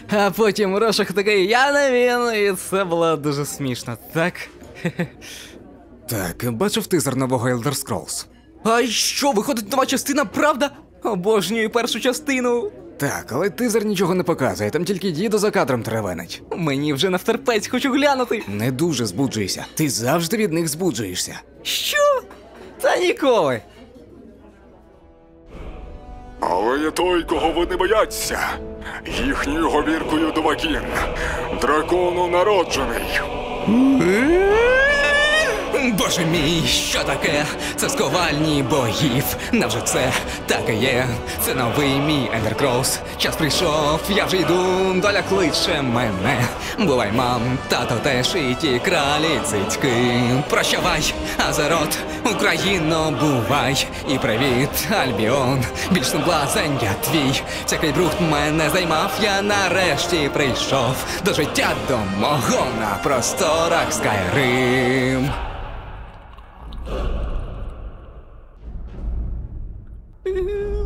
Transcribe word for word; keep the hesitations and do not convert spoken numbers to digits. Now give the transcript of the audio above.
А потім Рошах такий, я не він, і це було дуже смішно, так? Так, бачив тизер нового Elder Scrolls? А що, виходить нова частина, правда? Обожнюю першу частину. Так, але тизер нічого не показує, там тільки дідо за кадром теревенить. Мені вже навтерпець, хочу глянути. Не дуже збуджуйся, ти завжди від них збуджуєшся. Що? Та ніколи. Але я той, кого вони бояться. Їхньою говіркою Довагін. Дракону народжений. Боже мій, що таке? Це сковальні богів. Невже це таке є? Це новий мій Elder Scrolls. Час прийшов, я вже йду, доля кличе мене. Бувай, мам, тато теж і ті кралі цицьки. Прощавай, Азерот, Україно, бувай. І привіт, Альбіон, більш не блазень я твій. Всякий бруд мене займав, я нарешті прийшов до життя до мого на просторах Скайрим. Е-е-е.